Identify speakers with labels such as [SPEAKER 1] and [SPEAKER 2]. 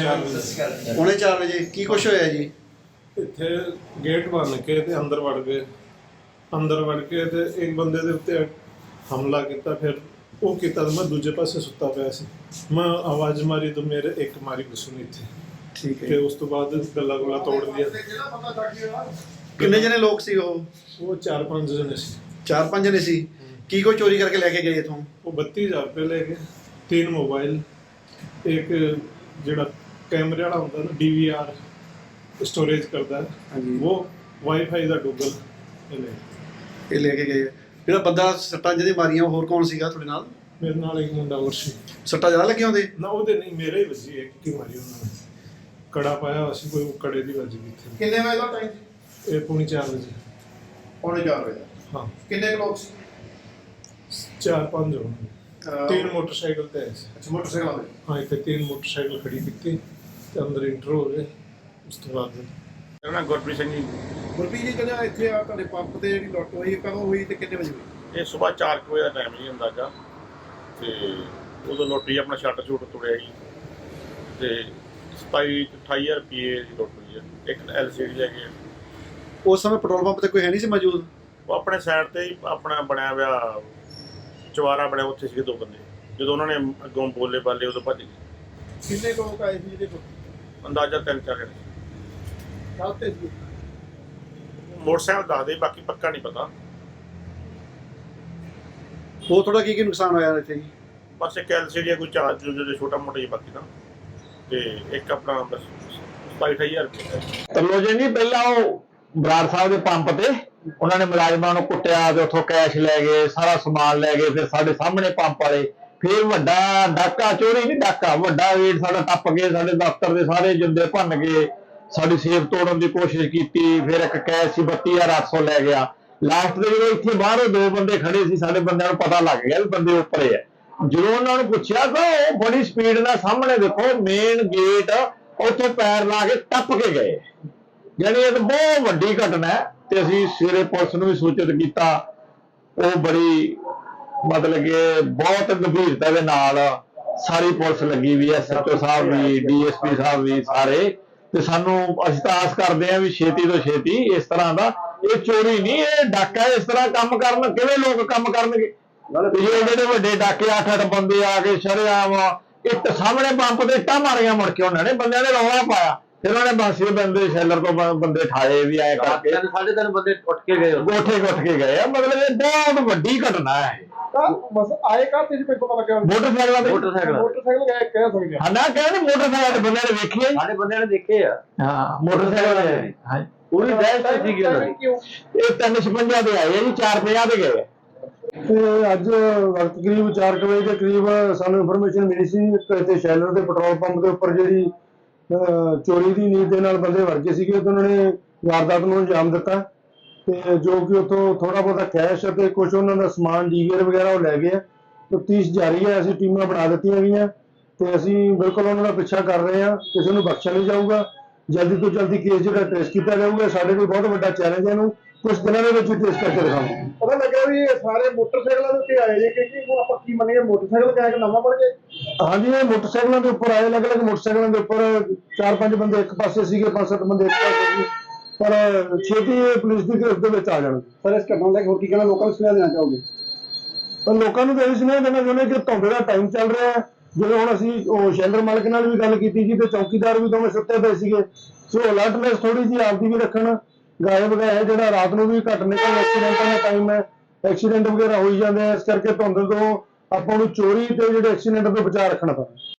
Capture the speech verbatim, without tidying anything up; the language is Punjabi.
[SPEAKER 1] चार बजे
[SPEAKER 2] पौने चार बजे की कुछ होया जी?
[SPEAKER 1] इत्थे गेट बन के ते अंदर वड़ गए। अंदर वड़ के ते एक बंदे दे उत्ते हमला किया। फिर वो किया तो मैं दूजे पासे सुता पिया सी। मैं आवाज़ मारी तो मेरे एक मारी घुसनी थी।
[SPEAKER 2] ठीक है।
[SPEAKER 1] फिर उस तो बाद गला गुला तोड़ दिया।
[SPEAKER 2] किन्ने जने लोग सी वो?
[SPEAKER 1] वो चार पांच जने सी।
[SPEAKER 2] चार पांच जने सी। की कोई चोरी करके लेके गए इथों?
[SPEAKER 1] वो बत्ती हज़ार रुपये ले गए, तीन मोबाइल, एक जिहड़ा कैमरे वाला होंदा ना डी वी आर स्टोरेज करता है वो, वाईफाई का डूगल
[SPEAKER 2] ये लेके गए। ਜਿਹੜਾ ਬੰਦਾ ਸੱਟਾਂ ਜਿਹਦੇ ਮਾਰੀਆਂ ਹੋਰ ਕੌਣ ਸੀਗਾ ਤੁਹਾਡੇ ਨਾਲ?
[SPEAKER 1] ਮੇਰੇ ਨਾਲ ਇੱਕ ਮੁੰਡਾ ਹੋਰ ਸੀ।
[SPEAKER 2] ਸੱਟਾਂ ਜ਼ਿਆਦਾ ਲੱਗੀਆਂ ਉਹਦੇ?
[SPEAKER 1] ਨਾ ਉਹਦੇ ਨਹੀਂ, ਮੇਰੇ ਹੀ ਵੱਜੀ, ਇੱਕ ਕੀ ਮਾਰੀ ਉਹਨਾਂ ਨੇ। ਕੜਾ ਪਾਇਆ ਹੋਇਆ ਸੀ, ਕੋਈ ਕੜੇ ਦੀ ਵੱਜ ਗਈ ਇੱਥੇ।
[SPEAKER 3] ਕਿੰਨੇ ਵਜੇ ਦਾ ਟਾਈਮ ਸੀ?
[SPEAKER 1] ਇਹ ਪੌਣੇ ਚਾਰ ਵਜੇ।
[SPEAKER 3] ਪੌਣੇ ਚਾਰ ਵਜੇ
[SPEAKER 1] ਹਾਂ।
[SPEAKER 3] ਕਿੰਨੇ ਕੁ ਲੋਕ ਸੀ?
[SPEAKER 1] ਚਾਰ ਪੰਜ ਹੋਣਗੇ। तीन मोटरसाइकिल ਤੇ ਆਏ ਸੀ।
[SPEAKER 3] ਅੱਛਾ, ਮੋਟਰਸਾਈਕਲ ਤੇ?
[SPEAKER 1] ਹਾਂ, ਇੱਥੇ तीन मोटरसाइकिल खड़ी ਕੀਤੀ ਤੇ ਅੰਦਰ ਇੰਟਰ ਹੋ ਗਏ। ਉਸ ਤੋਂ ਬਾਅਦ
[SPEAKER 4] ਮੇਰਾ ਨਾਮ ਗੁਰਪ੍ਰੀਤ ਸਿੰਘ ਜੀ।
[SPEAKER 3] ਗੁਰਪ੍ਰੀਤ ਜੀ, ਕਹਿੰਦਾ ਇੱਥੇ ਆ ਤੁਹਾਡੇ ਪੰਪ ਤੇ ਜਿਹੜੀ ਲੁੱਟ ਹੋਈ ਕਦੋਂ ਹੋਈ ਤੇ ਕਿੰਨੇ ਵਜੇ ਹੋਈ?
[SPEAKER 4] ਇਹ ਸਵੇਰ ਚਾਰ ਕੁ ਵਜੇ ਦਾ ਟਾਈਮ ਜੀ ਅੰਦਾਜ਼ਾ। ਤੇ ਉਦੋਂ ਲੋਟਰੀ ਆਪਣਾ ਸ਼ਟਰ ਸ਼ੂਟ ਤੁੜਿਆ ਜੀ ਤੇ ਸਤਾਈ ਅਠਾਈ ਹਜ਼ਾਰ ਰੁਪਏ ਦੀ ਲੁੱਟ ਹੋਈ ਹੈ। ਇੱਕ ਐਲ ਸੀ ਡੀ ਲੈ ਗਏ।
[SPEAKER 2] ਉਸ ਸਮੇਂ ਪੈਟਰੋਲ ਪੰਪ ਤੇ ਕੋਈ ਹੈ ਨਹੀਂ ਸੀ ਮੌਜੂਦ?
[SPEAKER 4] ਉਹ ਆਪਣੇ ਸਾਈਡ ਤੇ ਹੀ ਆਪਣਾ ਬਣਿਆ ਹੋਇਆ ਚੁਬਾਰਾ ਬਣਿਆ, ਉੱਥੇ ਸੀਗੇ ਦੋ ਬੰਦੇ। ਜਦੋਂ ਉਹਨਾਂ ਨੇ ਅੱਗੋਂ ਬੋਲੇ ਬਾਲੇ ਉਦੋਂ ਭੱਜ ਗਏ।
[SPEAKER 3] ਕਿੰਨੇ ਲੋਕ ਆਏ ਸੀ ਜਿਹਦੇ ਕੋਲ?
[SPEAKER 4] ਅੰਦਾਜ਼ਾ ਤਿੰਨ ਚਾਰ ਜਣੇ।
[SPEAKER 3] ਕੱਲ ਤੇ ਸੀ?
[SPEAKER 4] ਮੋਟਰਸਾਈਕਲ ਦੱਸਦੇ, ਬਾਕੀ ਪੱਕਾ ਨਹੀਂ ਪਤਾ।
[SPEAKER 2] ਹੋਰ ਤੁਹਾਡਾ ਕੀ ਕੀ ਨੁਕਸਾਨ ਹੋਇਆ ਇੱਥੇ ਜੀ?
[SPEAKER 4] ਬਸ ਇੱਕ ਐਲ ਸੀ ਡੀ ਕੋਈ ਚਾਰਜ ਜਿਹੜੇ ਛੋਟਾ ਮੋਟਾ ਜਿਹਾ ਬਾਕੀ ਨਾ, ਤੇ ਇੱਕ ਆਪਣਾ ਬਸ ਸਤਾਈ ਅਠਾਈ ਹਜ਼ਾਰ ਰੁਪਏ।
[SPEAKER 5] ਤਰਲੋਜਨ ਜੀ ਪਹਿਲਾਂ ਉਹ ਬਰਾੜ ਸਾਹਿਬ ਦੇ ਪੰਪ ਤੇ ਉਹਨਾਂ ਨੇ ਮੁਲਾਜ਼ਮਾਂ ਨੂੰ ਕੁੱਟਿਆ ਤੇ ਉੱਥੋਂ ਕੈਸ਼ ਲੈ ਗਏ, ਸਾਰਾ ਸਮਾਨ ਲੈ ਗਏ। ਫਿਰ ਸਾਡੇ ਸਾਹਮਣੇ ਪੰਪ ਵਾਲੇ ਫਿਰ ਵੱਡਾ ਡਾਕਾ, ਚੋਰੀ ਨਹੀਂ ਡਾਕਾ, ਵੱਡਾ ਰੇਟ ਸਾਡਾ ਟੱਪ ਗਏ। ਸਾਡੇ ਦਫ਼ਤਰ ਦੇ ਸਾਰੇ ਜਿੰਦੇ ਭੰਨ ਗਏ, ਸਾਡੀ ਸੇਫ ਤੋੜਨ ਦੀ ਕੋਸ਼ਿਸ਼ ਕੀਤੀ। ਫਿਰ ਇੱਕ ਕੈਸ਼ ਸੀ ਬੱਤੀ ਹਜ਼ਾਰ ਅੱਠ ਸੌ ਲੈ ਗਿਆ। ਲਾਸਟ ਦੇ ਜਦੋਂ ਇੱਥੇ ਬਾਹਰੋਂ ਦੋ ਬੰਦੇ ਖੜੇ ਸੀ, ਸਾਡੇ ਬੰਦਿਆਂ ਨੂੰ ਪਤਾ ਲੱਗ ਗਿਆ ਵੀ ਬੰਦੇ ਉੱਪਰੇ ਆ। ਜਦੋਂ ਉਹਨਾਂ ਨੂੰ ਪੁੱਛਿਆ ਤਾਂ ਉਹ ਬੜੀ ਸਪੀਡ ਨਾਲ ਸਾਹਮਣੇ ਦੇਖੋ ਮੇਨ ਗੇਟ ਉੱਥੋਂ ਪੈਰ ਲਾ ਕੇ ਟੱਪ ਕੇ ਗਏ। ਯਾਨੀ ਇਹ ਬਹੁਤ ਵੱਡੀ ਘਟਨਾ ਹੈ ਤੇ ਅਸੀਂ ਸਵੇਰੇ ਪੁਲਿਸ ਨੂੰ ਵੀ ਸੂਚਿਤ ਕੀਤਾ। ਉਹ ਬੜੀ ਮਤਲਬ ਕਿ ਬਹੁਤ ਗੰਭੀਰਤਾ ਦੇ ਨਾਲ ਸਾਰੀ ਪੁਲਿਸ ਲੱਗੀ ਵੀ, ਐਸ ਐਚ ਓ ਸਾਹਿਬ ਵੀ, ਡੀ ਐਸ ਪੀ ਸਾਹਿਬ ਵੀ, ਸਾਰੇ। ਤੇ ਸਾਨੂੰ ਅਸੀਂ ਤਾਂ ਆਸ ਕਰਦੇ ਹਾਂ ਵੀ ਛੇਤੀ ਤੋਂ ਛੇਤੀ ਇਸ ਤਰ੍ਹਾਂ ਦਾ, ਇਹ ਚੋਰੀ ਨਹੀਂ, ਇਹ ਡਾਕਾ। ਇਸ ਤਰ੍ਹਾਂ ਕੰਮ ਕਰਨ ਕਿਵੇਂ ਲੋਕ ਕੰਮ ਕਰਨਗੇ? ਜਿਹੜੇ ਵੱਡੇ ਡਾਕੇ ਅੱਠ ਅੱਠ ਬੰਦੇ ਆ ਕੇ ਸ਼ਰੇਆਮ ਇੱਟ ਸਾਹਮਣੇ ਪੰਪ ਤੇ ਇੱਟਾਂ ਮਾਰੀਆਂ, ਮੁੜ ਕੇ ਉਹਨਾਂ ਨੇ ਬੰਦਿਆਂ ਨੇ ਰੌਲਾ ਪਾਇਆ। ਫਿਰ ਉਹਨੇ ਬਾਂਸੀ ਬੰਦੇ ਸ਼ੈਲਰ ਤੋਂ ਬੰਦੇ ਠਾਏ ਵੀ ਆਏ ਕਰਕੇ।
[SPEAKER 6] ਸਾਢੇ ਤਿੰਨ ਬੰਦੇ ਉੱਠ ਕੇ ਗਏ,
[SPEAKER 5] ਗੋਠੇ ਉੱਠ ਕੇ ਗਏ ਆ। ਮਤਲਬ ਇਹ ਬਹੁਤ ਵੱਡੀ ਘਟਨਾ ਹੈ।
[SPEAKER 3] ਬਸ ਆਏ ਕਾ ਤੇ ਕੋਈ ਪਤਾ ਲੱਗਿਆ?
[SPEAKER 5] ਮੋਟਰਸਾਈਕਲਾਂ ਤੇ
[SPEAKER 6] ਮੋਟਰਸਾਈਕਲ
[SPEAKER 3] ਮੋਟਰਸਾਈਕਲ ਗਏ ਕਹਿ ਸਕਦੇ
[SPEAKER 5] ਹਾਂ ਨਾ, ਕਹਿੰਦੇ ਮੋਟਰਸਾਈਕਲ ਤੇ ਬੰਦੇ ਨੇ ਵੇਖੇ।
[SPEAKER 6] ਸਾਡੇ ਬੰਦਿਆਂ ਨੇ ਦੇਖੇ ਆ।
[SPEAKER 5] ਹਾਂ, ਮੋਟਰਸਾਈਕਲ ਤੇ ਹਾਂ
[SPEAKER 6] ਪੂਰੀ ਦਹਿਸ਼ਤ ਸੀਗੀ ਉਹਨਾਂ ਦੀ।
[SPEAKER 5] ਇਹ ਤਿੰਨ ਛਪੰਜਾ ਦੇ ਆਏ ਜੀ, ਚਾਰ ਪੰਜਾਹ ਦੇ ਗਏ।
[SPEAKER 7] ਤੇ ਅੱਜ ਵਕਤ ਕਰੀਬ ਚਾਰ ਵਜੇ ਦੇ ਕਰੀਬ ਸਾਨੂੰ ਇਨਫੋਰਮੇਸ਼ਨ ਮਿਲੀ ਸੀ ਕਿ ਸ਼ੈਲਰ ਦੇ ਪੈਟਰੋਲ ਪੰਪ ਦੇ ਉੱਪਰ ਜਿਹੜੀ ਚੋਰੀ ਦੀ ਨੀਤ ਦੇ ਨਾਲ ਬੰਦੇ ਵੜ ਗਏ ਸੀਗੇ ਤੇ ਉਹਨਾਂ ਨੇ ਵਾਰਦਾਤ ਨੂੰ ਅੰਜਾਮ ਦਿੱਤਾ। ਤੇ ਜੋ ਕਿ ਉੱਥੋਂ ਥੋੜਾ ਬਹੁਤਾ ਕੈਸ਼ ਅਤੇ ਕੁਝ ਉਹਨਾਂ ਦਾ ਸਮਾਨ ਡੀਵੀਆਰ ਵਗੈਰਾ ਉਹ ਲੈ ਗਏ। ਤਫਤੀਸ਼ ਜਾਰੀ ਹੈ, ਅਸੀਂ ਟੀਮਾਂ ਬਣਾ ਦਿੱਤੀਆਂ ਗਈਆਂ ਤੇ ਅਸੀਂ ਬਿਲਕੁਲ ਉਹਨਾਂ ਦਾ ਪਿੱਛਾ ਕਰ ਰਹੇ ਹਾਂ। ਕਿਸੇ ਨੂੰ ਬਖਸ਼ਿਆ ਨਹੀਂ ਜਾਊਗਾ। ਜਲਦੀ ਤੋਂ ਜਲਦੀ ਕੇਸ ਜਿਹੜਾ ਟ੍ਰੇਸ ਕੀਤਾ ਜਾਊਗਾ। ਸਾਡੇ ਕੋਲ ਬਹੁਤ ਵੱਡਾ ਚੈਲੰਜ ਹੈ, ਇਹਨੂੰ ਕੁਝ ਦਿਨਾਂ ਦੇ ਵਿੱਚ ਟ੍ਰੇਸ ਕਰਕੇ ਦਿਖਾਵਾਂਗੇ।
[SPEAKER 3] ਪਤਾ ਲੱਗਿਆ ਵੀ ਇਹ ਸਾਰੇ ਮੋਟਰਸਾਈਕਲਾਂ ਦੇ ਉੱਤੇ ਆਏ ਜੇ ਕਿ ਉਹ ਆਪਾਂ ਕੀ ਮੰਨੀਏ, ਮੋਟਰਸਾਈਕਲ ਕਿਹਾ ਕਿ ਨਵਾਂ ਬਣ ਗਿਆ?
[SPEAKER 7] ਹਾਂਜੀ, ਇਹ ਮੋਟਰਸਾਈਕਲਾਂ ਦੇ ਉੱਪਰ ਆਏ, ਅਲੱਗ ਅਲੱਗ ਮੋਟਰਸਾਈਕਲਾਂ ਦੇ ਉੱਪਰ ਚਾਰ ਪੰਜ ਬੰਦੇ ਇੱਕ ਪਾਸੇ ਸੀਗੇ, ਪੰਜ ਸੱਤ ਬੰਦੇ ਇੱਕ ਪਾਸੇ ਸੀ। ਪਰ ਛੇਤੀ ਪੁਲਿਸ ਦੀ ਗ੍ਰਿਫਤ ਦੇ ਵਿੱਚ ਆ ਜਾਣਗੇ।
[SPEAKER 3] ਸਰ ਇਸ ਘਟਨਾ ਦਾ ਹੋਰ ਕੀ ਕਹਿਣਾ, ਲੋਕਾਂ ਨੂੰ ਸੁਨੇਹਾ ਦੇਣਾ ਚਾਹੋਗੇ?
[SPEAKER 7] ਪਰ ਲੋਕਾਂ ਨੂੰ ਤਾਂ ਇਹ ਸੁਨੇਹਾ ਦੇਣਾ ਚਾਹੁੰਦੇ ਕਿ ਧੁੰਦ ਦਾ ਟਾਈਮ ਚੱਲ ਰਿਹਾ ਹੈ। ਜਦੋਂ ਹੁਣ ਅਸੀਂ ਉਹ ਸ਼ੈਲਰ ਮਾਲਕ ਨਾਲ ਵੀ ਗੱਲ ਕੀਤੀ ਜੀ ਤੇ ਚੌਕੀਦਾਰ ਵੀ ਦੋਵੇਂ ਸੁੱਤੇ ਪਏ ਸੀਗੇ। ਸੋ ਅਲਰਟਨੈਸ ਥੋੜੀ ਜਿਹੀ ਆਪਦੀ ਵੀ ਰੱਖਣ। ਗਾਇਬ ਗਏ ਜਿਹੜਾ ਰਾਤ ਨੂੰ ਵੀ ਘੱਟ ਨਿਕਲ, ਐਕਸੀਡੈਂਟਾਂ ਦਾ ਟਾਈਮ ਹੈ, ਐਕਸੀਡੈਂਟ ਵਗੈਰਾ ਹੋਈ ਜਾਂਦੇ ਆ। ਇਸ ਕਰਕੇ ਧੁੰਦ ਤੋਂ ਆਪਾਂ ਨੂੰ ਚੋਰੀ ਤੇ ਜਿਹੜੇ ਐਕਸੀਡੈਂਟ ਤੋਂ ਬਚਾਅ ਰੱਖਣਾ ਪੈਂਦਾ।